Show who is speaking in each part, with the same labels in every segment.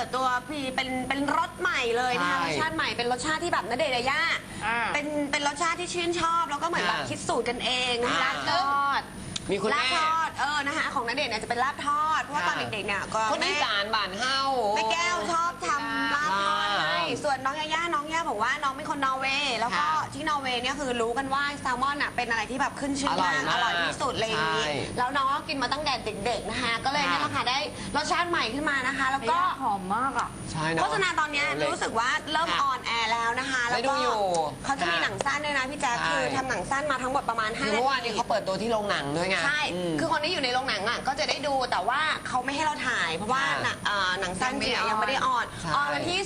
Speaker 1: ปิดตัวเป็นรสใหม่เลยนะคะรสชาติใหม่เป็นรสชาติที่แบบณเดชน์ยายาเป็นรสชาติที่ชื่นชอบแล้วก็เหมือนแบบคิดสูตรกันเองนะคะลาบทอด
Speaker 2: มีคุณแม่
Speaker 1: ลาบทอดนะคะของณเดชน์เนี่ยจะเป็นลาบทอดเพราะว่าตอนเด็กๆเนี่ยก็
Speaker 2: คนอีสานบ้านเฮา
Speaker 1: แม่แก้วชอบทำลาบทอดให้ส่วนน้องยาย่าบอกว่าน้องเป็นคนนอร์เวย์แล้วก็ที่นอร์เวย์เนี่ยคือรู้กันว่าแซลมอนเป็นอะไรที่แบบขึ้นชื่อมากอร่อยที่สุดเลยนี้แล้วน้องก็กินมาตั้งแต่เด็กๆนะคะก็เลยเนี่ยค่ะได้รสชาติใหม่ขึ้นมานะคะแล้วก็
Speaker 3: หอมมากอ่ะ
Speaker 1: โฆษณาตอนนี้รู้สึกว่าเริ่มออนแอร์แล้วนะคะแล้วก็เขาจะมีหนังสั้นด้วยนะพี่แจ๊คคือทำหนังสั้นมาทั้งหมดประมาณ5 นาที
Speaker 2: เมื่อวานนี้เขาเปิดตัวที่โรงหนังด้วยไง
Speaker 1: ใช่คือคนที่อยู่ในโรงหนังอ่ะก็จะได้ดูแต่ว่าเขาไม่ให้เราถ่ายเพราะว่าหนังสั้นเนี่ยยังไม่ได้ออนวันที่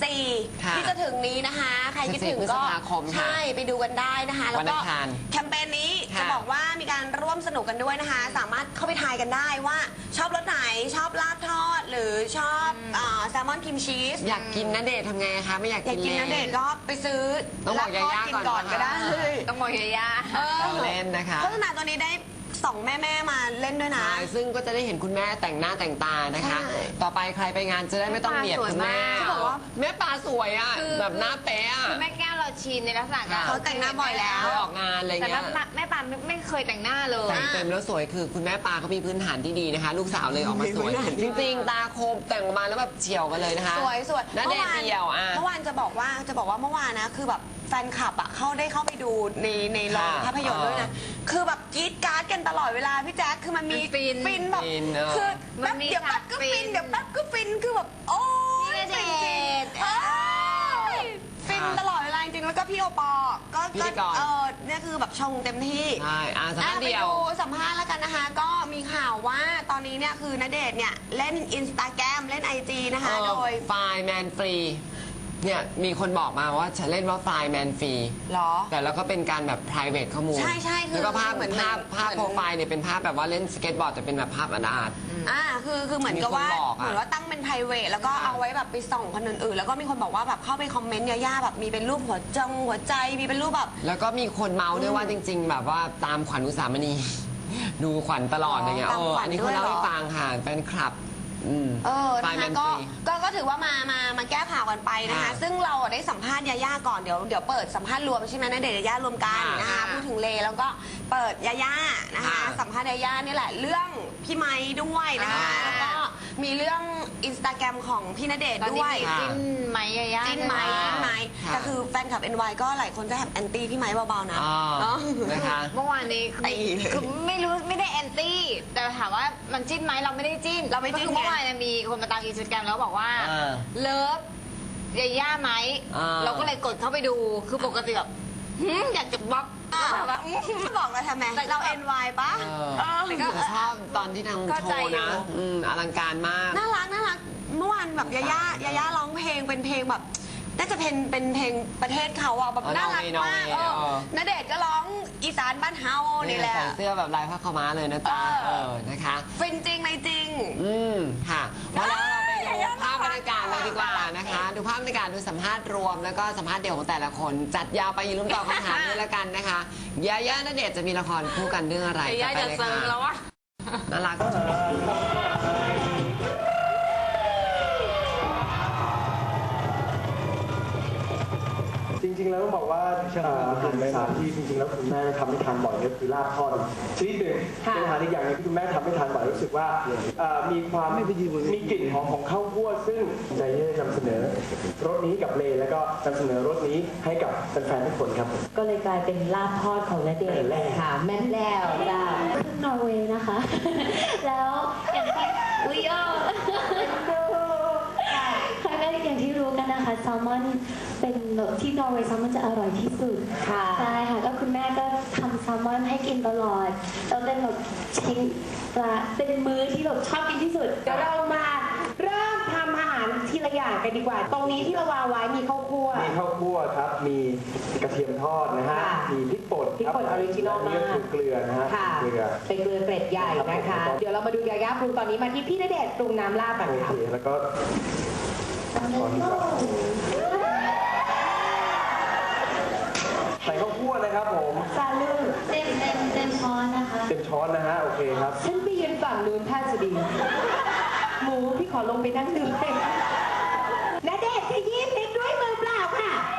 Speaker 1: 14ที่จะถึงนี้นะคะใครคิดถึงก็ใช่ไปดูกันได้นะคะแล้วก็แคมเปญนี้จะบอกว่ามีการร่วมสนุกกันด้วยนะคะสามารถเข้าไปทายกันได้ว่าชอบรสไหนชอบลาบทอดหรือชอบแซลมอนครีมชีส
Speaker 2: อยากกินณเดชน์ทำไงคะไม่อยากกิน
Speaker 1: ณเดชน์ก็ไปซื้อ
Speaker 2: ต้องบอกยาย่า
Speaker 1: ก่อนก็ได้
Speaker 3: ต้องบอกยาย่า
Speaker 2: เล่นนะคะ
Speaker 1: โฆษณาตัวนี้ได้2 แม่มาเล่นด้วยนะ
Speaker 2: ซึ่งก็จะได้เห็นคุณแม่แต่งหน้าแต่งตานะคะต่อไปใครไปงานจะได้ไม่ต้องเบียดคุณแม่
Speaker 1: เขาบอกว่า
Speaker 2: แม่ปลาสวยอ่ะแบบหน้าเป๊ะ
Speaker 3: คือแม่แก้วเราชินในลักษณะการ
Speaker 1: เขาแต่งหน้าบ่อยแล้ว
Speaker 2: ออกงานอะไรเงี้ย
Speaker 3: แต่แม่ปลาไม่เคยแต่งหน้าเลย
Speaker 2: แต่งเต็มแล้วสวยคือคุณแม่ปลาเขามีพื้นฐานที่ดีนะคะลูกสาวเลยออกมาสวยจริงๆตาคมแต่งออกมาแล้วแบบเฉียวกันเลยนะคะ
Speaker 1: สวย
Speaker 2: ณเดชน์เดียว
Speaker 1: เมื่อวานจะบอกว่าเมื่อวานนะคือแบบแฟนคลับได้เข้าไปดูในโรงภาพยนตร์ด้วยนะคือแบบกรี๊ดกราร์ดกันตลอดเวลาพี่แจ๊คคือมันมีฟินแบบคือแป๊บเดี๋ยวแป๊บก็ฟินเดี๋ยวแป๊บก็ฟินคือแบบโอ้ย
Speaker 3: ณเดชน์
Speaker 1: ฟินตลอดเวลาจริงๆแล้วก็พี่โอปอก็เนี่ยคือแบบชงเต็มที่
Speaker 2: ใช่สัมภาษณ์เดียว
Speaker 1: สัมภาษณ์แล้วกันนะคะก็มีข่าวว่าตอนนี้เนี่ยคือณเดชน์เนี่ยเล่น Instagram เล่น IG นะคะโดย
Speaker 2: ไฟล์แมนฟรีเนี่ยมีคนบอกมาว่าฉันเล่นว่าไฟล์แมนฟรี
Speaker 1: หรอ
Speaker 2: แต่แล้วก็เป็นการแบบ private ข้อมูล
Speaker 1: ใช่
Speaker 2: แล้วก็ภาพโปรไฟล์เนี่ยเป็นภาพแบบว่าเล่นสเก็ตบอร์ดแต่เป็นแบบภาพอาร์ต
Speaker 1: คือเหมือนกับว่าตั้งเป็น private แล้วก็เอาไว้แบบไปส่องคนอื่นๆแล้วก็มีคนบอกว่าแบบเข้าไปคอมเมนต์ย่าแบบมีเป็นรูปหัวใจมีเป็นรูปแบบ
Speaker 2: แล้วก็มีคนเมาด้วยว่าจริงๆแบบว่าตามขวัญอุสามณีดูขวัญตลอดอะไรเงี้ยอันนี้คนเล่าให้ฟังค่ะแฟนคลับ
Speaker 1: นะคะก็ถือว่ามาแก้ข่าวกันไปนะคะซึ่งเราได้สัมภาษณ์ยาย่าก่อนเดี๋ยวเปิดสัมภาษณ์รวมใช่ไหมณเดชน์ยาย่ารวมกันนะคะพูดถึงเลแล้วก็เปิดยาย่านะคะสัมภาษณ์ยาย่านี่แหละเรื่องพี่ไม้ด้วยนะคะแล้วก็มีเรื่อง Instagram ของพี่ณเดชน์ด้วย
Speaker 3: จิ้นไม้ยาย่า
Speaker 1: จิ้นไม้แต่คือแฟนคลับ NY ก็หลายคนก็แอบแอนตี้พี่ไม้เบาๆนะ
Speaker 2: นะคะ
Speaker 3: เมื่อวานนี้คือไม่ได้แอนตี้แต่ถามว่ามันจิ้นไหมเราไม่ได้จิ้นเมื่อวานมีคนมาตามอินสตาแกรมแล้วบอกว่าเลิฟยาย่าไหมเราก็เลยกดเข้าไปดูคือปกติแบบอยากจะบล็อก
Speaker 1: บอกเราทำไมเรา NY ปะ
Speaker 2: ก็ชอบตอนที่ทางโชว์นะอลังการมาก
Speaker 1: น่ารักเมื่อวานแบบยาย่าร้องเพลงเป็นเพลงแบบน่าจะเป็นเพลงประเทศเขาอ่ะแบบน่ารักมากณเดชน์ก็ร้องอีสานบ้านเฮานี่แหละ
Speaker 2: ใส่เสื้อแบบลายผ้าขาวม้าเลยนะจ๊ะนะคะ
Speaker 1: ฟินจริงไหมจริง
Speaker 2: ค่ะแล้วเราไปดูภาพบรรยากาศเลยดีกว่านะคะดูภาพบรรยากาศดูสัมภาษณ์รวมแล้วก็สัมภาษณ์เดี่ยวของแต่ละคนจัดยาวไปอย่าลืมตอบคำถามด้วยละกันนะคะยาย่าณเดชน์จะมีละครคู่กันเรื่องอะไร
Speaker 3: ยาย่าจะเซิร์ฟแล้ววะ
Speaker 2: น่ารัก
Speaker 4: จริงๆแล้วต้องบอกว่าอาหารสามที่จริงๆแล้วคุณแม่ทำให้ทานบ่อยก็คือลาบทอดชนิดหนึ่งเป็นอาหารอีกอย่างนึงที่คุณแม่ทำให้ทานบ่อยรู้สึกว่ามีความมีกลิ่นหอมของข้าวคั่วซึ่งใจที่จะนำเสนอรสนี้กับเลแล้วก็นำเสนอรสนี้ให้กับแฟนๆทุกคนครับ
Speaker 5: ก็เลยกลายเป็นลาบทอดของณเดชน์ค่ะแม่แล้วจ้าขึ้นนอร์เวย์นะคะแล้วอย่างที่อย่างที่รู้กันนะคะแซลมอนเป็นที่นอร์เวย์แซลมอนจะอร่อยที่สุดค่ะใช่ค่ะก็คุณแม่ก็ทำแซลมอนให้กินตลอดแล้วเป็นแบบชิ้นเป็นมื้อที่แบบชอบกินที่สุด
Speaker 6: เดี๋ยวเรามาเริ่มทำอาหารทีละอย่างกันดีกว่าตรงนี้ที่เราวางไว้มีข้าวคั่ว
Speaker 4: ครับมีกระเทียมทอดนะฮะมีพริกป่น
Speaker 6: ออริจินอลมาก
Speaker 4: นี่คือเกลือนะฮะ
Speaker 6: เกลือเป็นเกลือเกรดใหญ่นะคะเดี๋ยวเรามาดูยาย่าปรุงตอนนี้มาที่พี่ณเดชน์ปรุงน้ำลาบกันค่ะ
Speaker 4: แล้วก็ใส่ข้าวคั่วนะครับผม
Speaker 5: ซาลูเต็มช้อนนะคะ
Speaker 4: เต็มช้อนนะฮะโอเคครับ
Speaker 6: ฉันไปยืนฝั่งนู้นท่าจะดีหมูพี่ขอลงไปนั่งดูเลย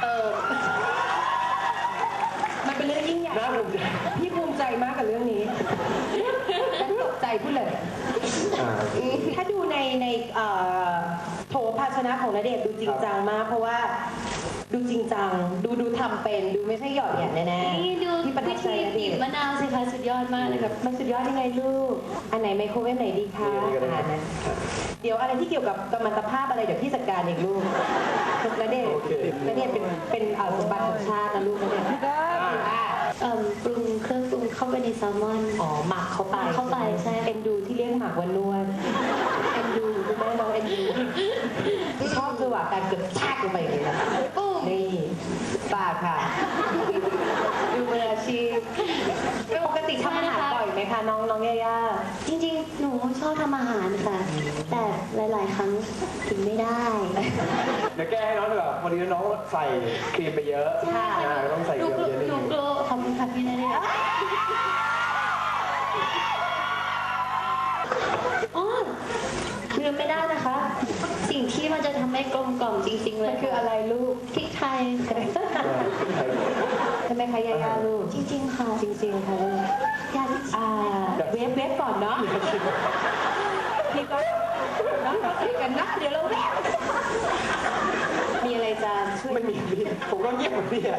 Speaker 6: มันเป็นเรื่องยิ่งใหญ่
Speaker 4: น่าภูมิใจ
Speaker 6: พี่ภูมิใจมากกับเรื่องนี้ฉันตกใจพูดเลย ถ้าดูในโถภาชนะของณเดชน์ดูจริงจังมาก เพราะว่าดูจริงจังดูทำเป็นดูไม่ใช่หยอดแหย่แน่ๆ
Speaker 5: นี่ดู
Speaker 6: ที่ประทั
Speaker 5: วิ
Speaker 6: บใจ
Speaker 5: ธี
Speaker 6: ณเด
Speaker 5: บี
Speaker 6: ช
Speaker 5: บ
Speaker 6: น์
Speaker 5: มะนาวสิคะสุดยอดมากเลยครับ
Speaker 6: มันสุดยอดยังไงลูก อันไหนไมโครเวฟไหนดีคะเดี๋ยวอะไรที่เกี่ยวกับกัมมันตภาพอะไรเดี๋ยวพี่จัดการเองลูกณเดชน์เป็นสมบัติของชาตินะลูกณเดชน์ก็
Speaker 5: ปรุงเครื่องปรุงเข้าไปในแซลมอน
Speaker 6: อ๋อหมักเข้าไป
Speaker 5: เข้าไปใช่
Speaker 6: เอ็นดูที่เรียกหมักวันนวลเอ็นดูคุณแม่น้องเอ็นดูชอบคือว่าการเกือบชากลงไปอย่างนี้นะนี่ปากค่ะ ดูมืออาชีพปกติทำอาหารบ่อยไหมคะน้องย่า
Speaker 5: จริงๆ หนูชอบทำอาหารค่ะ แต่หลายๆ ครั้งกินไม่ได้
Speaker 4: เดี๋ยวแก้ให้น้องดีกว่าวันนี้น้องใส่ครีมไปเยอะ
Speaker 5: ใช่
Speaker 4: ต้องใส่เยอะนิด
Speaker 5: ห
Speaker 4: นึ
Speaker 5: นู
Speaker 4: ง
Speaker 5: กลัวขอบคุณค่ะพี่ณเดชน์อ๋อลืมไม่ได้นะคะ สิ่งที่มันจะทำให้กลมกล่อมจริงๆ เล
Speaker 6: มั
Speaker 5: ย
Speaker 6: นคืออะไรลูก
Speaker 5: พริกไทยค่ะ
Speaker 6: ใช่ไหมคะย่าลูก
Speaker 5: จริงๆ ค่ะ
Speaker 6: จริงๆค่ะลูก
Speaker 5: อยาก
Speaker 6: เวฟก่อนเนาะพี่ก็น้องก็ใส่กันนะเดี๋ยวเราเวฟมีอะไรจะช่วย
Speaker 4: ไม่มีพี่ผมก็เงียบเหมือนพี่อะ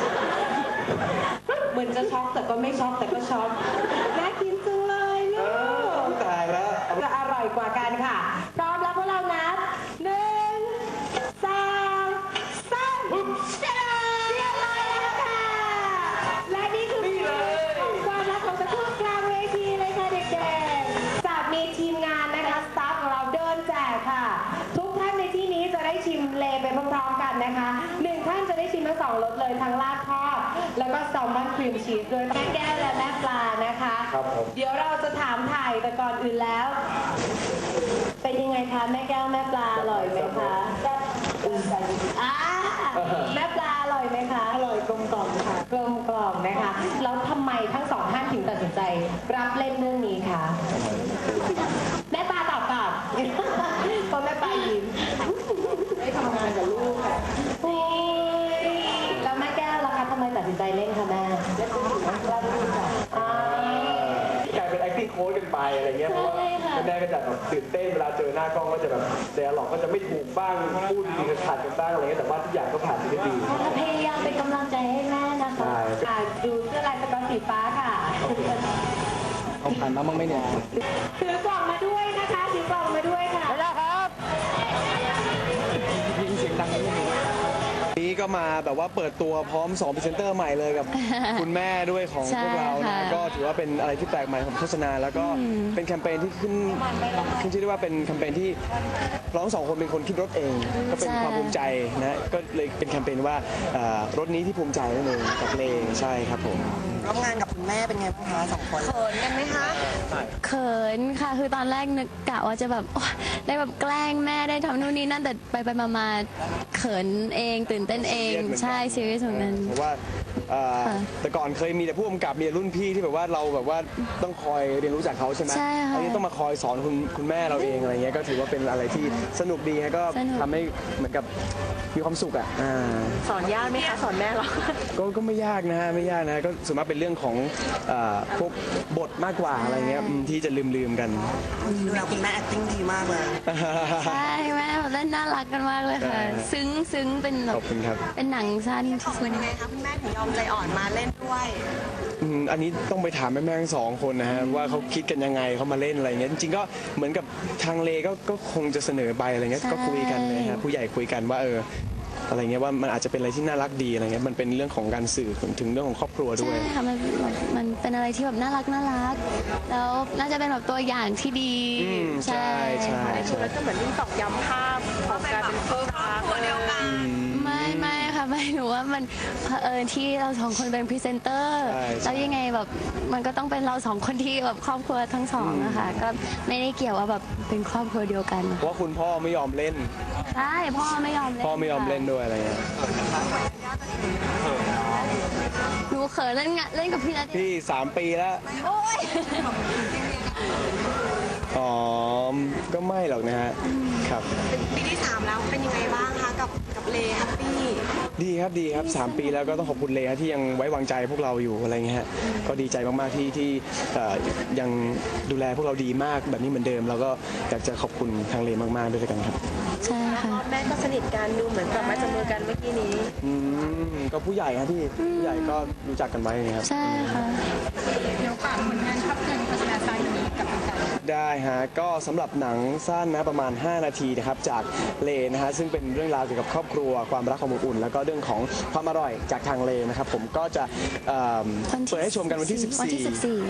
Speaker 6: เหมือนจะช็อกแต่ก็ไม่ช็อกแต่ก็ช็อกน่ากินจังเลยลูก
Speaker 4: ตายแล้ว
Speaker 6: จะอร่อยกว่ากันค่ะพร้อมแล้วพวกเรานับ1 2 3เรียบร้อยแล้วค่ะ และนี่คือความรักของตะคุ่มกลางเวทีเลยค่ะเด็กๆจากมีทีมงานนะคะสตาฟของเราเดินแจกค่ะ ทุกท่านในที่นี้จะได้ชิมเลไปพร้อมๆกันนะคะ1ท่านจะได้ชิมทั้ง2รสเลยทั้งลาบทอดแล้วก็แซลมอนครีมชีสด้วยแม่แก้วและแม่ปลานะคะ
Speaker 4: ครับผม
Speaker 6: เดี๋ยวเราจะถามถ่ายแต่ก่อนอื่นแล้ว เป็นยังไงคะแม่แก้วแม่ปลาอร่อยไหมคะอ่าแม่ปลาอร่อยไหมคะอร่อยกลมกล่อมค่ะกลมกล่อมนะคะแล้วทำไมทั้งสองท่านถึงตัดสินใจรับเล่นเรื่องนี้คะแม่ปลาตอบก่อนเพราะแม่ปลายิ้มได้ทำงานกับลูกค่ะแล้วแม่แก้วล่ะคะทำไมตัดสินใจเล่นคะแม่เล่นเป็น
Speaker 4: กลายเป็น acting coach กันไปอะไรเงี้ยเพราะว่าแม่ก็จะแบบตื่นเต้นเวลาเจอหน้ากล้องก็จะแบบเดาหลอกก็จะไม่ถูกบ้างพูดดีขาดกันบ้างอะไรเงี้ยแต่ว่าทุกอย่างก็ผ่านไปได้ดี
Speaker 5: พยายามเป็นกำลังใจให้แม่นะคะ
Speaker 6: ดูเสื้อลายสก๊อตสีฟ้าค่ะ
Speaker 4: เอาผ่านมาบ้างไหมเนี่ย
Speaker 6: ถือกล่องมาด้วยนะคะถือกล่องมาด้วยค่ะ
Speaker 7: นี้ก็มาแบบว่าเปิดตัวพร้อม2พรีเซนเตอร์ใหม่เลยกับ คุณแม่ด้วยของพวกเรา
Speaker 5: ใช่
Speaker 7: นะ
Speaker 5: ค่ะ
Speaker 7: ก็ถือว่าเป็นอะไรที่แปลกใหม่ของโฆษณาแล้วก็เป็นแคมเปญที่ขึ้นชื่อได้ว่าเป็นแคมเปญที่เราทั้งสองคนเป็นคนคิดรถเอง ก็เป็นความภูมิใจนะก็เลยเป็นแคมเปญว่ารถนี้ที่ภูมิใจนั่นเองกับเลใช่ครับผม
Speaker 2: ร่วมงานกับคุณแม่เป็นไงบ้างคะ2 คน
Speaker 1: เขินกันไหมคะ
Speaker 5: เขินค่ะ คือตอนแรกนึกกะว่าจะแบบโอ๊ยได้แบบแกล้งแม่ได้ทำนู่นนี่นั่นแต่ไปมาเขินเองตื่นเต้นเอง ใช่ซีรีส์ของนั้น
Speaker 7: เพราะว่า
Speaker 5: ค่ะ
Speaker 7: แต่ก่อนเคยมีแต่ผู้กำกับมีรุ่นพี่ที่แบบว่าเราแบบว่าต้องคอยเรียนรู้จากเขาใช่ไหม
Speaker 5: ใช่ค่ะ
Speaker 7: อันนี้ต้องมาคอยสอนคุณแม่เราเองอะไรเงี้ยก็ถือว่าเป็นอะไรที่สนุกดีฮะก็
Speaker 5: สนุก
Speaker 7: ทำให้เหมือนกับมีความสุขอ่ะ
Speaker 1: สอนยากไหมคะสอนแม่หรอ
Speaker 7: ก็ไม่ยากนะฮะไม่ยากนะก็ส่วนมากเป็นเรื่องของพวกบทมากกว่าอะไรเงี้ยที่จะลืมกัน
Speaker 2: ดูแล้วคุณแม่ acting ดีมากเลย
Speaker 5: ใช่แม่แบบเล่นน่ารักกันมากเลยค่ะ ซึ้งเป็นแบ
Speaker 7: ข
Speaker 5: บ
Speaker 7: อบคุณครับ
Speaker 5: เป็นหนังสั้นที่สุด
Speaker 1: ยังไงคะคุณแม่ถึงยอมใจอ่อนมาเล่นด้วย
Speaker 7: อันนี้ต้องไปถามแม่ๆทั้งสองคนนะฮะว่าเขาคิดกันยังไงเขามาเล่นอะไรเงี้ยจริงๆก็เหมือนกับทางเลก็คงจะเสนอไปอะไรเงี้ยก็คุยกันเลยฮะผู้ใหญ่คุยกันว่าอะไรเงี้ยว่ามันอาจจะเป็นอะไรที่น่ารักดีอะไรเงี้ยมันเป็นเรื่องของการสื่อถึงเรื่องของครอบครัวด้ว
Speaker 5: ใช่
Speaker 7: ย
Speaker 5: ค่ะมันเป็นอะไรที่แบบน่ารักแล้วน่าจะเป็นแบบตัวอย่างที่ดี
Speaker 7: ใช่ใช่
Speaker 1: แล้วก็เหมือนยิ่งตอกย้ำภาพของการเป็นครอบครัวเดียวกัน
Speaker 5: ไม่ค่ะไม่หนูว่ามันเผอิญที่เราสองคนเป็นพรีเซนเตอร์แล้วยังไงแบบมันก็ต้องเป็นเราสองคนที่แบบครอบครัวทั้งสองอะค่ะก็ไม่ได้เกี่ยวว่าแบบเป็นครอบครัวเดียวกัน
Speaker 7: เพราะว่าคุณพ่อไม่ยอมเล่น
Speaker 5: ใช่พ่อไม่ยอมเล่น
Speaker 7: พ่อไม่ยอมเล่น
Speaker 5: ค่ะ
Speaker 7: ด้วยอะไรเงี้ย
Speaker 5: หนูเขินเล่นกับพี่ณเดชน์
Speaker 7: พี่3 ปีแล้ว
Speaker 5: โอ๊ย
Speaker 7: อ๋อก็ไม่หรอกนะฮะครับ
Speaker 1: เป็นปีที่ 3 แล้วเป็นยังไงบ้างคะกับเลแฮปปี้
Speaker 7: ดีครับ3 ปีแล้วก็ต้องขอบคุณเลยฮะที่ยังไว้วางใจพวกเราอยู่อะไรเงี้ยฮะก็ดีใจมากๆที่ยังดูแลพวกเราดีมากแบบนี้เหมือนเดิมแล้วก็อยากจะขอบคุณทางเลมากๆด้วยกันครับ
Speaker 5: ใช่ค่ะ
Speaker 6: แม่ก็สนิทกันดูเหมือนกับมาจับมือกันเมื่อกี้นี้
Speaker 7: ก็ผู้ใหญ่ฮะที่ผู้ใหญ่ก็รู้จักกันไว้นะครับ
Speaker 5: ใช่ค่ะ
Speaker 3: เดี๋ยวฝากผลงานภาพยนตร์โฆษณาสั้นนี้กับแฟน
Speaker 7: ได้ฮะก็สำหรับหนังสั้นนะประมาณ5 นาทีนะครับจากเลนะฮะซึ่งเป็นเรื่องราวเกี่ยวกับครอบครัวความรักความอบอุ่นแล้วก็เรื่องของความอร่อยจากทางเลนะครับผมก็จะเปิดให้ชมกันวันที่
Speaker 5: วันที่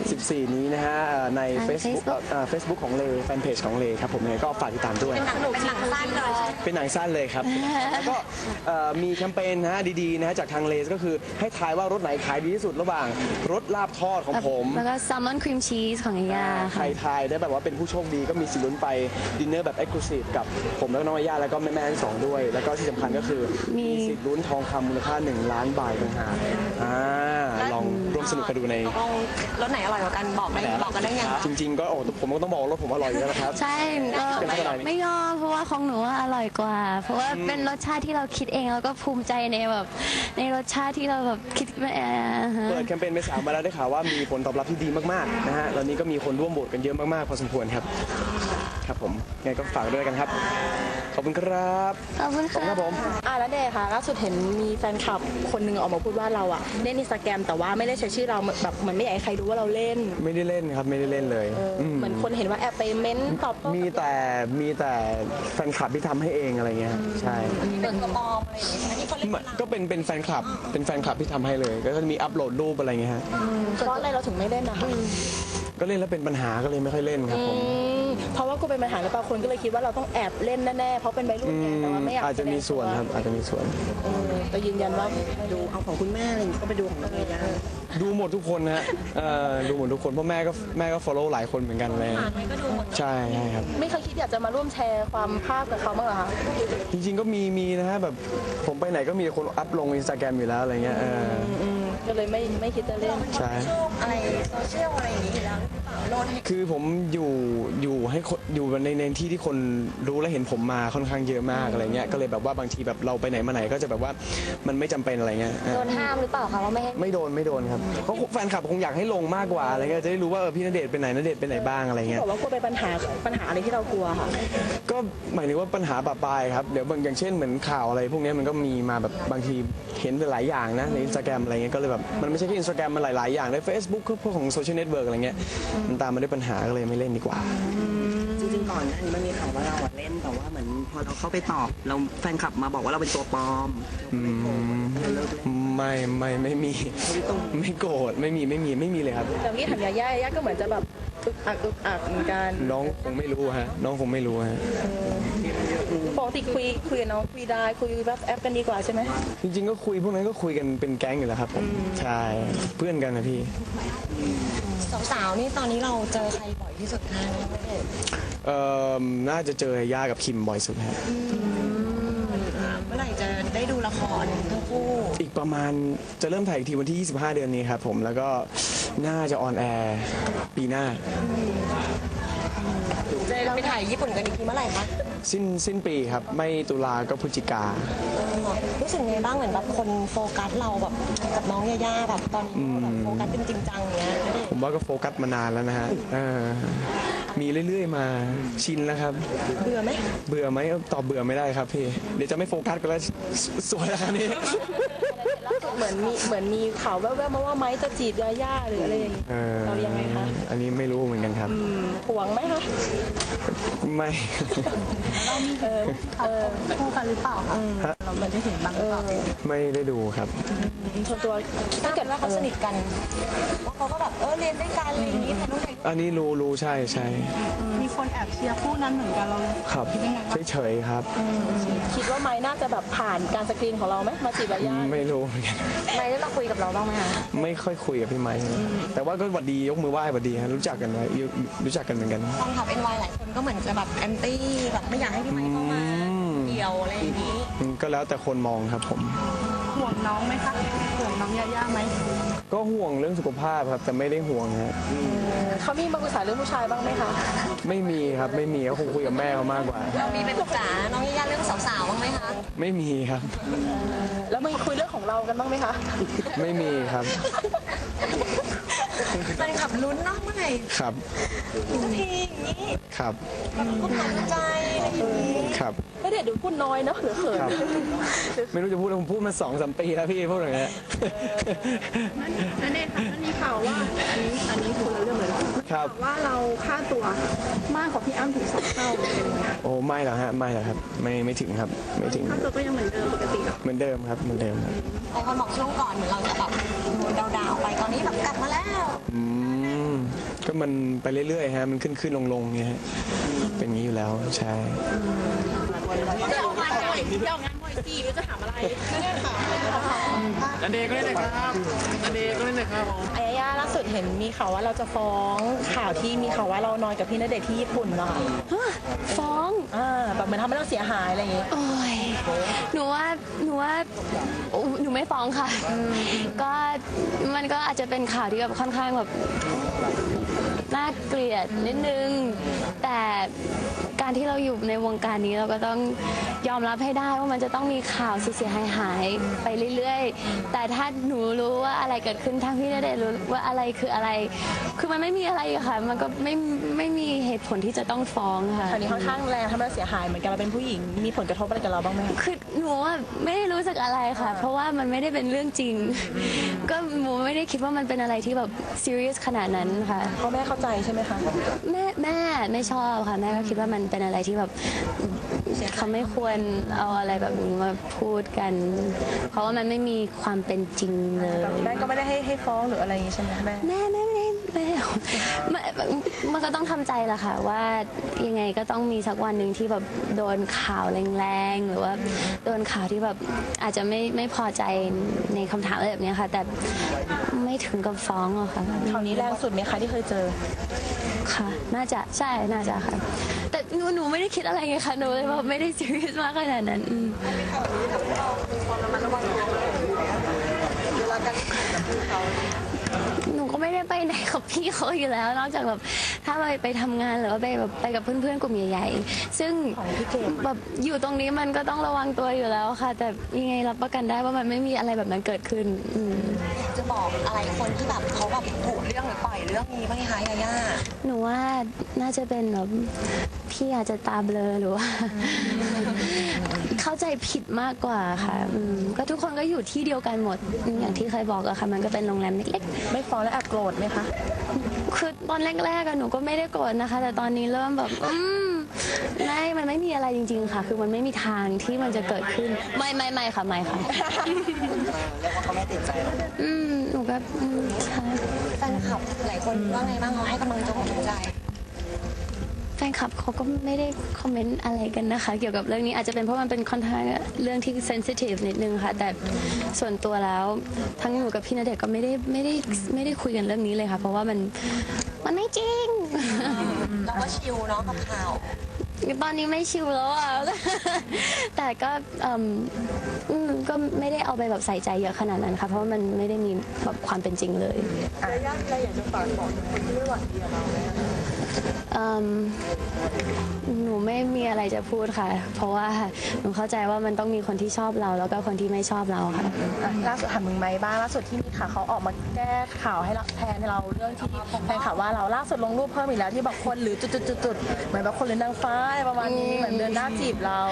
Speaker 7: 14 นี้นะฮะใน
Speaker 5: ทาง
Speaker 7: Facebook ของเลแฟนเพจของเลครับผมยังไงก็ฝากติดตามด้วย
Speaker 1: เป็นหนังสั้นเลยใช่ไหม
Speaker 7: เป็นหนังสั้นเลยครับ แล้วก็มีแคมเปญนะฮะดีๆนะฮะจากทางเลก็คือให้ทายว่ารสไหนขายดีที่สุดระหว่างรสลาบทอดของผม
Speaker 5: แล้วก็แซลมอนครีมชีสของยา
Speaker 7: ใคร
Speaker 5: ค่ะ
Speaker 7: ทายได้แบบว่าเป็นผู้โชคดีก็มีสิทธิ์ลุ้นไปดินเนอร์แบบเอ็กซ์คลูซีฟกับผมแล้วก็น้องย่าแล้วก็แม่ๆทั้งสองด้วย แล้วก็ที่สำคัญก็คือมีสิทธิ์ลุ้นทองคำมูลค่า1 ล้านบาทต่างหากลองร่วมสนุกกันดูใน
Speaker 1: ตกลงรสไหนอร่อยกว่ากันบอกกันได้ยัง
Speaker 7: จริง ๆ ก็ผมก็ต้องบอกว่ารสผมอร่อยอยู่แล้วนะครับ
Speaker 5: ใช่ก็
Speaker 7: เป็นเท่าไหร่
Speaker 5: ไม่ยอมเพราะว่าของหนูว่าอร่อยกว่า เพราะว่าเป็นรสชาติที่เราคิดเองแล้วก็ภูมิใจในแบบในรสชาติที่เราแบบคิดมาฮะ
Speaker 7: เปิดแคมเปญไป3 มาแล้วได้ข่าวว่ามีผลตอบรับที่ดีมากๆนะฮะแล้วนี้ก็มีคนร่วมโหวตกันเยอะมากๆพอสมควรครับครับผมไงก็ฝากด้วยกันครับขอบคุณครับ
Speaker 5: ขอบคุณ
Speaker 7: ขอบคุณ
Speaker 5: ค่ะ
Speaker 7: ครับผม
Speaker 6: แล้วเดชค่ะล่าสุดเห็นมีแฟนคลับคนหนึ่งออกมาพูดว่าเราอะเล่นอินสตาแกรมแต่ว่าไม่ได้ใช้ชื่อเราแบบเหมือนไม่อยากให้ใครรู้ว่าเราเล่น
Speaker 7: ไม่ได้เล่นครับไม่ได้เล่นเลยม
Speaker 6: เหมือนคนเห็นว่าแอบไปเม้นตอบโต้
Speaker 7: มีแต่แฟนคลับที่ทำให้เองอะไรเงี้ยใช่
Speaker 1: เป็นกระบอมอะไรอย่างเงี้ยใช่ไหมที่เขาเล่น
Speaker 7: ก็เป็นแฟนคลับที่ทำให้เลยก็จะมีอัปโหลดรูปอะไรเงี้ยฮะ
Speaker 6: เพราะอะไรเราถึงไม่เล่นนะคะ
Speaker 7: ก็เล่นแล้วเป็นปัญหาก็เลยไม่ค่อยเล่นครับผม
Speaker 6: เพราะว่ากูเป็นปัญหาหรือเปล่าคนก็เลยคิดว่าเราต้องแอบเล่นแน่ๆเพราะเป็นวัยรุ่นไงแต่ว่าไม่อยาก
Speaker 7: อาจจะมีส่วนครับอาจจะมีส่วน
Speaker 6: แต่ยืนยันว่า
Speaker 8: ดูเอาของคุณแม่อะไรอย่างงี้ก็ไปดูของน้องเอย่า
Speaker 7: ดูหมดทุกคนฮะดูหมดทุกคนเพราะแม่ก็ follow หลายคนเหมือนกันเลยใช่ครับ
Speaker 6: ไม่เคยคิดอยากจะมาร่วมแชร์ความภาพกับเขาบ้างเหรอคะ
Speaker 7: จริงๆก็มีนะฮะแบบผมไปไหนก็มีคนอัพลงอินสตาแกรมอยู่แล้วอะไรเงี้ย
Speaker 6: ก็เลยไม่คิดจะเล่น
Speaker 7: ใช่
Speaker 1: อะไรโซเชียลอะไรอย่างงี้อยู่แล้วหรือเปล่าโลดให้
Speaker 7: คือผมอยู่ให้คนอยู่ในที่ที่คนรู้และเห็นผมมาค่อนข้างเยอะมากอะไรเงี้ยก็เลยแบบว่าบางทีแบบเราไปไหนมาไหนก็จะแบบว่ามันไม่จำเป็นอะไรเงี้ย
Speaker 5: โดนห้ามหรือเปล่าคะว่าไม่ให้
Speaker 7: ไม่โดนครับเพราะแฟนคลับคงอยากให้ลงมากกว่าอะไรเงี้ยจะได้รู้ว่าพี่ณเดชน์ไปไหนณเดชน์ไปไหนบ้างอะไรเงี้ย
Speaker 6: บอกว่ากลัวเป็นปัญหาอะไรที่เรากลัวค่ะ
Speaker 7: ก็หมายถึงว่าปัญหาปะปายครับเดี๋ยวบางอย่างเช่นเหมือนข่าวอะไรพวกนี้มันก็มีมาแบบบางทีเห็นหลายอย่างนะในอินสตาแกรมอะไรเงี้ยก็เลยแบบมันไม่ใช่แค่อินสตาแกรมมันหลายๆอย่างใน Facebook พวกของโซเชียลเน็ตเวิร์กอะไรเงี้ยมันตามมาด้วยปัญหาก็เลยไม่เล่นดีกว่า
Speaker 8: จริงๆก่อนหน้านี้มันมีข่าวว่าเราอะเล่นแต่ว่าเหมือนพอเราเข้าไปตอบเราแฟนคลับมาบอกว่าเราเป็นตัวปลอมเราเลิกเล่น
Speaker 7: ไม่มีไม่โกรธไม่มีเลยครับ
Speaker 6: แต่เมื่อกี้ถามยาย่าก็เหมือนจะแบบอึกอักเหมือนกัน
Speaker 7: น้องคงไม่รู้ฮะน้องคงไม่รู้ฮะ
Speaker 6: ปกติคุยกับน้องคุยได้คุยแบบแอปกันดีกว่าใช่ไหม
Speaker 7: จริงๆก็คุยพวกนั้นก็คุยกันเป็นแก๊งอยู่แล้วครับผมใช่เพื่อนกันนะพี่
Speaker 1: สาวๆนี่ตอนนี้เราเจอใครบ่อยที่สุดคะณเดชน์
Speaker 7: น่าจะเจอย่ากับคิมบ่อยสุดฮะ
Speaker 1: เมื่อไหร่จะได้ดูละครทั้งคู่
Speaker 7: อีกประมาณจะเริ่มถ่ายอีกทีวันที่ 25 เดือนนี้ครับผมแล้วก็น่าจะออนแอร์ปีหน้า
Speaker 1: จะไปถ่ายญี่ปุ่นกันอีกทีเมื่อไหร่คะ
Speaker 7: สิ้นปีครับไม่ตุลาก็พฤศจิกา
Speaker 1: รู้สึกไงบ้างเหมือนแบบคนโฟกัสเราแบบกับน้องย่าแบบตอนนี้แบบโฟกัสเป็นจริงจังอย่างเงี้ย
Speaker 7: ผมว่าก็โฟกัสมานานแล้วนะฮะมีเรื่อยๆมาชินแล้วครับ
Speaker 1: เบื่อไหม
Speaker 7: เบื่อไหมตอบเบื่อไม่ได้ครับพี่เดี๋ยวจะไม่โฟกัสกันแล้วสวยแล้วนี่
Speaker 6: ล่าสุดเหมือนมีข่าวแว่วๆมาว่าไม้จะจีบยาย่าหรืออะไรอย่างเงี้ยเรายังไงคะ
Speaker 7: อันนี้ไม่รู้เหมือนกันครับ
Speaker 6: หวงไหมคะ
Speaker 7: ไม่
Speaker 3: คู่กันหรือเปล่าคะเราไม่ได้เห็นบ้างหรือเปล่า
Speaker 7: ไม่ได้ดูครับ
Speaker 6: ส่วนตัว
Speaker 1: ถ้าเกิดว่าเขาสนิทกันว่าเขาก็แบบเรียนด้วยกันอะไรอย่างงี้แต่น้องเด็ก
Speaker 7: อันนี้รู้ใช่
Speaker 3: มีคนแอบเชียร์คู่นั้นเหมือนกันเรา
Speaker 7: ครับเฉยๆครับ
Speaker 6: คิดว่าไม้น่าจะแบบผ่านการสกรีนของเราไหมมาจีบยาย่า
Speaker 7: ไม่รู้เหมือนกัน
Speaker 5: ไม่ได้มาคุยกับเราบ้างไหมคะ
Speaker 7: ไม่ค่อยคุยกับพี่ไม้แต่ว่าก็หวัดดียกมือไหว้หวัดดีฮะรู้จักกันไว้รู้จักกันเหมือนกัน
Speaker 1: ฟังขับ NY หลายคนก็เหมือนจะแบบแอนตี้แบบไม่อยากให้พี่ไมค์เข้ามาเกี่ยวอะไรอย่างนี้
Speaker 7: ก็แล้วแต่คนมองครับผม
Speaker 6: ห่วงน้องไหมคะห่วงน้องยาย่าไหม
Speaker 7: ก็ห่วงเรื่องสุขภาพครับแต่ไม่ได้ห่วงฮะ
Speaker 6: เขามีมาปรึกษาเรื่องผู้ชายบ้างไหมคะ
Speaker 7: ไม่มีครับไม่มีก็คงคุยกับแม่เขามากกว่า
Speaker 1: เรามีไปปรึกษาน้องยาย่าเรื่องสาวๆบ้างไหมคะ
Speaker 7: ไม่มีครับ
Speaker 6: แล้วมีคุยเรื่องของเรากันบ้างไหมคะ
Speaker 7: ไม่มีครับ
Speaker 1: แฟนคลับลุ้นเนาะเมื่อไหร่
Speaker 7: ครับ
Speaker 1: สักทีอย่างนี้
Speaker 7: ครับ
Speaker 1: ก็ผ่านใจอะไรอย่างนี้
Speaker 7: ครับ
Speaker 6: ไม่ได้ดูพูดน้อยเนาะหรือเขิน
Speaker 7: ครับ ไม่รู้จะพูดอะไรผมพูดมา2-3 ปีแล้วพี่พูดอย่างเงี้ย
Speaker 6: นั่นเองค่ะมันมีข่าวว่าอันนี้คนละเรื่องเลย
Speaker 7: ครับ
Speaker 6: ว่าเราค่าตัวมากกว่าพี่อ้ำถึง2 เท่า
Speaker 7: โอ้ไม่หรอกฮะไม่หรอกครับไม่ถึงครับไม่ถึง
Speaker 6: ค่าตัวก็ยังเหมือนเดิมปกติ
Speaker 7: เหมือนเดิมครับเหมือนเดิมครับ
Speaker 1: หลายคนบอกช่วงก่อนเหมือนเราจะแบบดาวๆไปตอนนี้แบบกลับมาแล้ว
Speaker 7: ก็มันไปเรื่อยๆฮะมันขึ้นลงๆเนี่ยฮะเป็นอย่างนี้อยู่แล้วใช่
Speaker 6: เดี๋ยวงานบ่อยจีจะถามอะไร
Speaker 7: อันเดย์ก็ได้เลยครับอันเดย์ก็ได้เลยครับ
Speaker 6: ยาย่าล่าสุดเห็นมีข่าวว่าเราจะฟ้องข่าวที่มีข่าวว่าเรานอนกับพี่ณเดชน์ที่ญี่ปุ่นเนาะ
Speaker 9: ฟ้อง
Speaker 6: แบบเหมือนทำให้เราเสียหายอะไรอย่างงี้
Speaker 9: โอ้ยหนูว่าหนูไม่ฟ้องค่ะ ก็มันก็อาจจะเป็นข่าวที่แบบค่อนข้างแบบน่าเกลียดนิดนึง แต่การที่เราอยู่ในวงการนี้เราก็ต้องยอมรับให้ได้ว่ามันจะต้องมีข่าวเสียหายไปเรื่อยๆ แต่ถ้าหนูรู้ว่าอะไรเกิดขึ้นทางพี่ณเดชน์รู้ว่าอะไรคืออะไร คือมันไม่มีอะไรอะค่ะ มันก็ไม่มีเหตุผลที่จะต้องฟ้องค่ะ
Speaker 6: คราวนี้ค่อนข้างแรงทำให้เราเสียหายเหมือนกันเราเป็นผู้หญิงมีผลกระทบอะไรกับเราบ้างไหม
Speaker 9: คือหนูว่าไม่ได้รู้สึกอะไรค่ะ เพราะว่ามันไม่ได้เป็นเรื่องจริง ก็หนูไม่ได้คิดว่ามันเป็นอะไรที่แบบซีเรียสขนาดนั้นค่ะ
Speaker 6: พ่อแม่เข้าใจใช่ไหมคะ
Speaker 9: แม่ไม่ชอบค่ะแม่ก็คิดว่ามันเป็นอะไรที่แบบเขาไม่ควรเอาอะไรแบบนี้มาพูดกัน เพราะว่ามันไม่มีความเป็นจริงเลย
Speaker 6: แม่ก็ไม่ได้ให้ฟ้องหรืออะไรอย่างงี้ใช่ไหมแม่
Speaker 9: แม่มันก็ต้องทำใจแหละค่ะว่ายังไงก็ต้องมีสักวันหนึ่งที่แบบโดนข่าวแรงๆหรือว่าโดนข่าวที่แบบอาจจะไม่พอใจในคำถามอะไรแบบนี้ค่ะ แต่ไม่ถึงกับฟ้องหรอกค่ะ
Speaker 6: คราวนี้แรงสุดไหมคะที่เคยเจอ
Speaker 9: ค่ะน่าจะใช่น่าจะค่ะ แต่หนูไม่ได้คิดอะไรไงคะหนูเลยแบบไม่ได้ซีเรียสมากขนาดนั้นหนูก็ไม่ได้ไปไหนกับพี่เขาอยู่แล้ว นอกจากแบบถ้าไปทำงานหรือว่าไปกับเพื่อนๆกลุ่มใหญ่ๆซึ่งแบบอยู่ตรงนี้มันก็ต้องระวังตัวอยู่แล้วค่ะ แต่ยังไงรับประกันได้ว่ามันไม่มีอะไรแบบนั้นเกิดขึ้น
Speaker 1: จะบอกอะไรคนที่แบบเขาแบบถูกเรื่องหรือปล่อยเรื่องนี้บ้างไหมคะยาย่า
Speaker 9: หนูว่าน่าจะเป็นแบบพี่อาจจะตาเบลอหรือว่า เข้าใจผิดมากกว่าค่ะก็ทุกคนก็อยู่ที่เดียวกันหมดอย่างที่เคยบอกอะค่ะมันก็เป็นโรงแรมเล็ก
Speaker 6: ไม่ฟ้องแล้วแอบโกรธไหมคะ
Speaker 9: ๆคือตอนแรกๆอะหนูก็ไม่ได้โกรธนะคะ แต่ตอนนี้เริ่มแบบมันไม่มีอะไรจริง ๆ ค่ะ คือมันไม่มีทางที่มันจะเกิดขึ้นไม่ค่ะไม่ค่ะ
Speaker 8: เรียกว่าเขาไม่ติดใจแล้ว
Speaker 9: หนูก็ใช่
Speaker 1: แฟนคลับหลายคนว่าไงบ้างเขาให้กำลังใจ
Speaker 9: แฟนคลับเขาก็ไม่ได้คอมเมนต์อะไรกันนะคะ เกี่ยวกับเรื่องนี้อาจจะเป็นเพราะมันเป็นค่อนข้างเรื่องที่เซนซิทีฟนิดนึงค่ะ แต่ส่วนตัวแล้วทั้งหนูกับพี่ณเดชน์ก็ไม่ได้คุยกันเรื่องนี้เลยค่ะ เพราะว่ามันไม่จริง
Speaker 1: เราก็ชิลเนาะกับข่าว
Speaker 9: ตอนนี้ไม่ชิวแล้วอ่ะ แต่ก็ก็ไม่ได้เอาไปแบบใส่ใจเยอะขนาดนั้นค่ะ เพราะว่ามันไม่ได้มีแบบความเป็นจริงเลยหนูไม่มีอะไรจะพูดค่ะ เพราะว่าหนูเข้าใจว่ามันต้องมีคนที่ชอบเราแล้วก็คนที่ไม่ชอบเราค่ะ
Speaker 6: ล่าสุดถามมึงไหมบ้างล่าสุดที่มีข่าวเขาออกมาแก้ข่าวให้เราแทนเราเรื่องที่แฟนข่าวว่าเราล่าสุดลงรูปเพิ่มอีกแล้วที่บอกคนหรือจุดๆเหมือนแบบคนหรือนางฟ้าอะไรประมาณนี้เหมือนเดินหน้าจีบเรา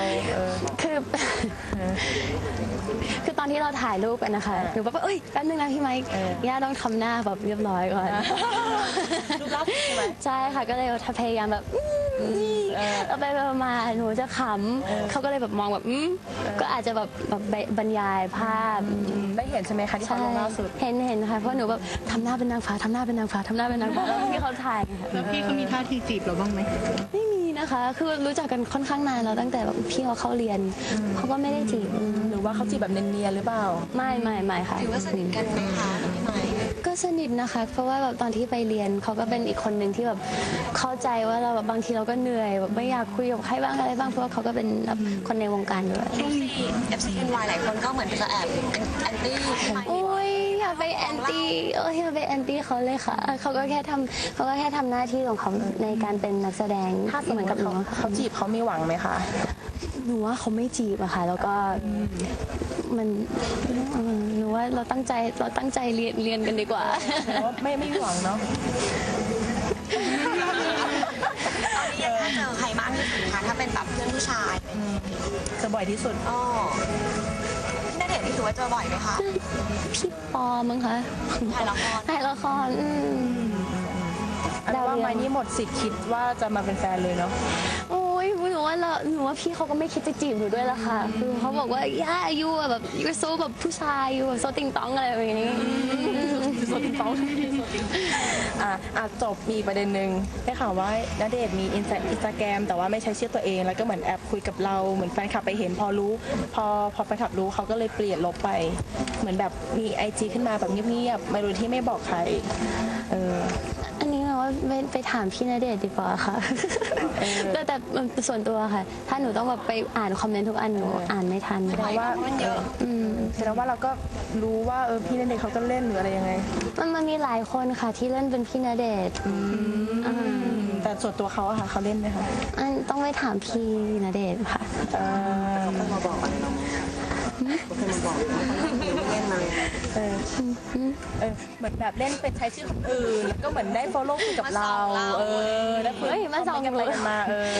Speaker 9: คือตอนที่เราถ่ายรูปกันนะคะหนูแบบว่าเอ้ยแป๊บนึงนะพี่ไมค์ย่าต้องทำหน้าแบบเรียบร้อยก่อน
Speaker 6: รูปล่าสุดใช่ไหม
Speaker 9: ใช่ค่ะก็เลยพยายามแบบเอาไปมาหนูจะขำเขาก็เลยแบบมองแบบก็อาจจะแบบบรรยายภาพ
Speaker 6: ได้เห็นใช่ไหมคะที่เขาลงล่าสุด
Speaker 9: เห็นค่ะเพราะหนูแบบทำหน้าเป็นนางฟ้าทำหน้าเป็นนางฟ้าทำหน้าเป็นนางฟ้าที่เขาถ่ายค่ะ
Speaker 6: แล้วพี่เขามีท่าทีจีบเราบ้างไหม
Speaker 9: ไม่มีนะนะคะ คือรู้จักกันค่อนข้างนานแล้วตั้งแต่แบบพี่เขาเข้าเรียนเขาก็ไม่ได้จีบ
Speaker 6: หรือว่าเขาจีบแบบเนียนๆหรือเปล่า
Speaker 9: ไม่ค่ะ
Speaker 1: ถือว่าสนิทกันไหมคะพี่ไม้
Speaker 9: ก็สนิทนะคะ เพราะว่าแบบตอนที่ไปเรียนเขาก็เป็นอีกคนหนึ่งที่แบบเข้าใจว่าเราแบบบางทีเราก็เหนื่อยแบบไม่อยากคุยกับใครบ้างอะไรบ้างเพราะว่าเขาก็เป็นแบบคนในวงการด้วย
Speaker 1: FCNY หลายคนก็เหมือนจะแอบแอนตี้
Speaker 9: โอ้ยอย่าไปแอนตี้อย่าไปแอนตี้เขาเลยค่ะเขาก็แค่ทำหน้าที่ของเขาในการเป็นนักแสดง
Speaker 6: ถ้าสม
Speaker 9: เห
Speaker 6: ม
Speaker 9: มือน
Speaker 6: ติ
Speaker 9: กับหนู
Speaker 6: เขาจีบเขามีหวังไหมคะ
Speaker 9: หนูว่าเขาไม่จีบอะค่ะ แล้วก็มันหนูว่าเราตั้งใจเรียนกันดีกว่า
Speaker 6: แต่ว่าไม่มีหวังเนาะ
Speaker 1: ตอนนี้ถ้าเจอใครบ้างที่สุดคะถ้าเป็นแบบเพื่อนผู้ชาย
Speaker 6: จะบ่อยที่สุด
Speaker 1: อ๋อพี่ณเดชน์นี่ถือว่าเจอบ่อยไหมคะ
Speaker 9: พี่ปอมั้งคะ
Speaker 1: ถ่ายละคร
Speaker 9: ถ่ายละคร
Speaker 6: แต่ว่าไม้นี่หมดสิทธิ์คิดว่าจะมาเป็นแฟนเลยเนาะ
Speaker 9: โอ้ยหนูว่าพี่เขาก็ไม่คิดจะจีบหนูด้วยละค่ะคือเขาบอกว่าย่ายูแบบยูโซแบบผู้ชายยูแบบโซติงตองอะไรแบบนี้
Speaker 6: โซติงตองจบมีประเด็นหนึ่งได้ข่าวว่าณเดชน์มีอินสตาแกรมแต่ว่าไม่ใช้ชื่อตัวเองแล้วก็เหมือนแอบคุยกับเราเหมือนแฟนคลับไปเห็นพอแฟนคลับรู้เขาก็เลยเปลี่ยนลบไป เหมือนแบบมี IG ขึ้นมาแบบเงียบๆไม่รู้ที่ไม่บอกใคร
Speaker 9: อันนี้เราว่าไปถามพี่ณเดชน์ดีกว่าค่ะแต่ส่วนตัวค่ะ ถ้าหนูต้องแบบไปอ่านคอมเมนต์ทุกอันหนูอ่านไม่ทัน
Speaker 6: แสดงว่ามันเยอะแสดงว่าเราก็รู้ว่าพี่ณเดชน์เขาก็เล่นหรืออะไรยังไง
Speaker 9: มันมีหลายคนค่ะที่เล่นเป็นพี่ณเดชน์
Speaker 6: แต่ส่วนตัวเขาอะค่ะเขาเล่นไหมคะ
Speaker 9: ต้องไปถามพี่ณเดชน์ค่ะ
Speaker 8: เขาเคยมาบอกอะไรเราไหมเขาเคยมาบอกว่าเขาเล่นอะไร
Speaker 6: เหมือนแบบเล่นเป็นใช้ชื่อคนอื่นแล้วก็เหมือนได้ follow คุยกับเราแล้วคุย
Speaker 9: มาส่องกันเลย
Speaker 6: มา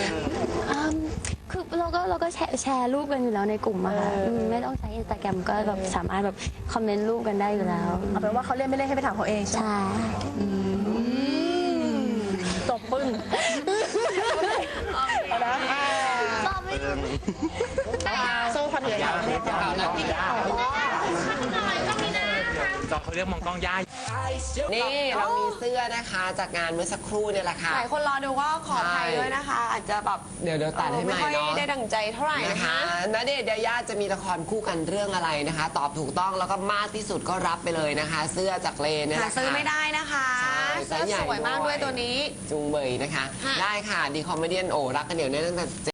Speaker 9: คือเราก็แชร์รูปกันอยู่แล้วในกลุ่มอะค่ะไม่ต้องใช้ Instagram ก็แบบสามารถแบบคอมเมนต์รูปกันได้อยู่แล้ว
Speaker 6: เอาเป็นว่าเขาเล่นไม่เล่นให้ไปถามเขาเองใช่ไหมจบปึ้งนะโซ่พันเหนือยาว
Speaker 2: จอเขาเรียกมองกล้องย่านี่เรามีเสื้อนะคะจากงานเมื่อสักครู่เนี่ยแหละค่ะ
Speaker 1: หลายคนรอดูก็ขออภัยด้วยนะคะ อาจจะแบบ
Speaker 2: เดี๋ยวตัดให้ใหม่เนาะ
Speaker 1: ไม่ได้ดั่งใจเท่าไหร่นะคะ
Speaker 2: ณเดชน์ยายาจะมีละครคู่กันเรื่องอะไรนะคะ ตอบถูกต้องแล้วก็มากที่สุดก็รับไปเลยนะคะ เสื้อจากเลน
Speaker 1: หาซื้อไม่ได้นะคะเสื้อสวยมากด้วยตัวนี้
Speaker 2: จุงเบยนะคะได้ค่ะดีคอมเมเดี้โอรักกันเดี๋ยวนี้ตั้งแต่